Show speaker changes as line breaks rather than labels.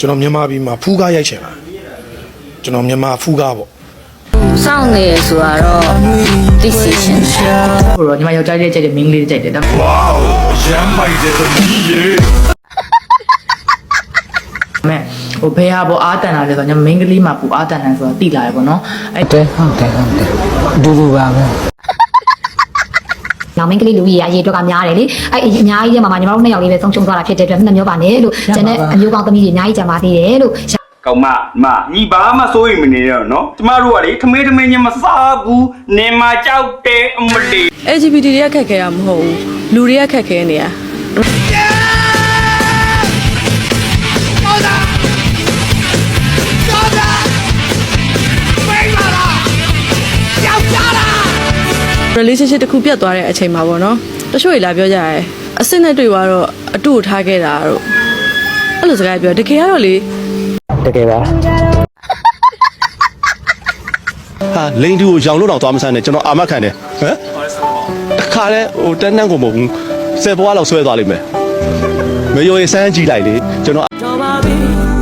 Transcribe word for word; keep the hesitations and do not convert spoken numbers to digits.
ကျွန်တော်မြန်မာပြည်မှာဖူးကားရိုက်ချင်တာကျွန်တော်မြန်မာဖူးကားပေါ့
စောင့်နေဆိုတော့သိစီရှင်
ဟိုတော့ညီမယောက်ျားလေးကြိုက်တယ်မိန်းကလေးကြိုက်တယ်တော့
ဝေါရမ်းမိုက်တဲ့သမီးရေ
မဲဟိုဘယ်ဟာပေါ်အားတန်လာလဲဆိုတော့ညီမမိန်းကလေးမှာပူအားတန်တယ်ဆိုတော့တိလာရပေါ့နော်အဲ့
တဲဟုတ်တယ်ဟုတ်တယ်အတူတူပါပဲ
နောက်မင်းကလေးလူကြီးရအရေးအတွက်ကများတယ်လေအဲ့အများကြီးထဲမှာညီမတို့နှစ်ယောက်လေးပဲဆုံးရှုံးသွားတာဖြစ်တဲ့အတွက်နှစ်မျိုးပါနဲ့လို့ကျန်တဲ့အမျိုးကောင်းသမီးတွေအများကြီးကြံပါသေးတယ်လို့
ကောင်မမညီဘာမှစိုးရိမ်မနေတော့နော်ကျမတို့ကလေထမင်းထမင်းချင်းမစားဘူးနေမှာကြောက်တယ်အမလီ
L G B T တွေကခက်ခဲတာမဟုတ်ဘူးလူတွေကခက်ခဲနေရrelationship တစ်ခုပြတ်သွားတဲ့အချိန်မှာပေါ့နော်တချို့တွေလာပြောကြရဲအစစ်နဲ့တွေ့သွားတော့အတူထားခဲ့တာတို့အဲ့လိုစကားပြောတကယ်ကတော့လေ
တကယ်ပါ
ဟာလိန်တူကိုရောင်လို့တော့သွားမဆန်းနဲ့ကျွန်တော်အာမခံတယ်ဟမ်တခါလဲဟိုတန်းတန်းကိုမဟုတ်ဘူးဆယ်ဘွားလောက်ဆွဲသွားလိမ့်မယ်မယိုရစမ်းကြည့်လိုက်လေကျွန်တော်